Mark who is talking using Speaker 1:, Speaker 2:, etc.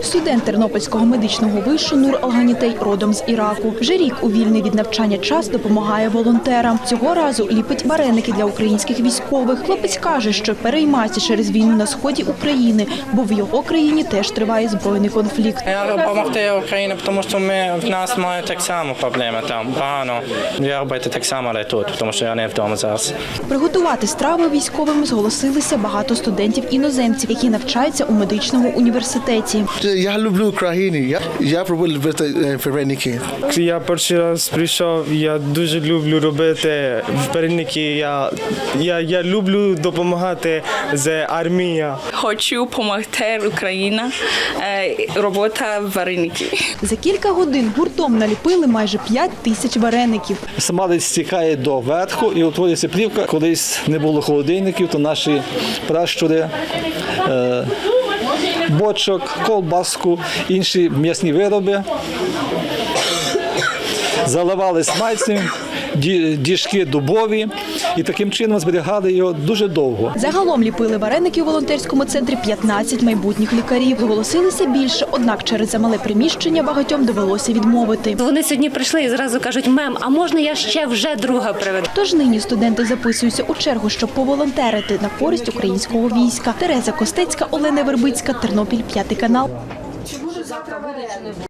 Speaker 1: Студент Тернопільського медичного вишу Нур Алганітей родом з Іраку. Вже рік у вільний від навчання час допомагає волонтерам. Цього разу ліпить вареники для українських військових. Хлопець каже, що переймається через війну на сході України, бо в його країні теж триває збройний конфлікт.
Speaker 2: Я допомогти Україні, тому що в нас мають так само проблеми там, погано. Я робити так само, але тут, тому що я не вдома зараз.
Speaker 1: Приготувати страви військовим зголосилися багато студентів-іноземців, які навчаються у медичному університеті.
Speaker 3: Я люблю Україну, я пробую робити вареники.
Speaker 4: Я перший раз прийшов, я дуже люблю робити вареники, я люблю допомагати з армією.
Speaker 5: Хочу допомогти Україні, робота вареники.
Speaker 1: За кілька годин гуртом наліпили майже 5 тисяч вареників.
Speaker 6: Смалець стікає до верху і утворюється плівка. Колись не було холодильників, то наші пращури бочок, ковбаску, інші м'ясні вироби заливали смальцем, діжки дубові і таким чином зберігали його дуже довго.
Speaker 1: Загалом ліпили вареники у волонтерському центрі 15 майбутніх лікарів. Зголосилися більше, однак через замале приміщення багатьом довелося відмовити.
Speaker 7: Вони сьогодні прийшли і зразу кажуть: мем, а можна я ще вже друга приведу?
Speaker 1: Тож нині студенти записуються у чергу, щоб поволонтерити на користь українського війська. Тереза Костецька, Олена Вербицька, Тернопіль, 5 канал.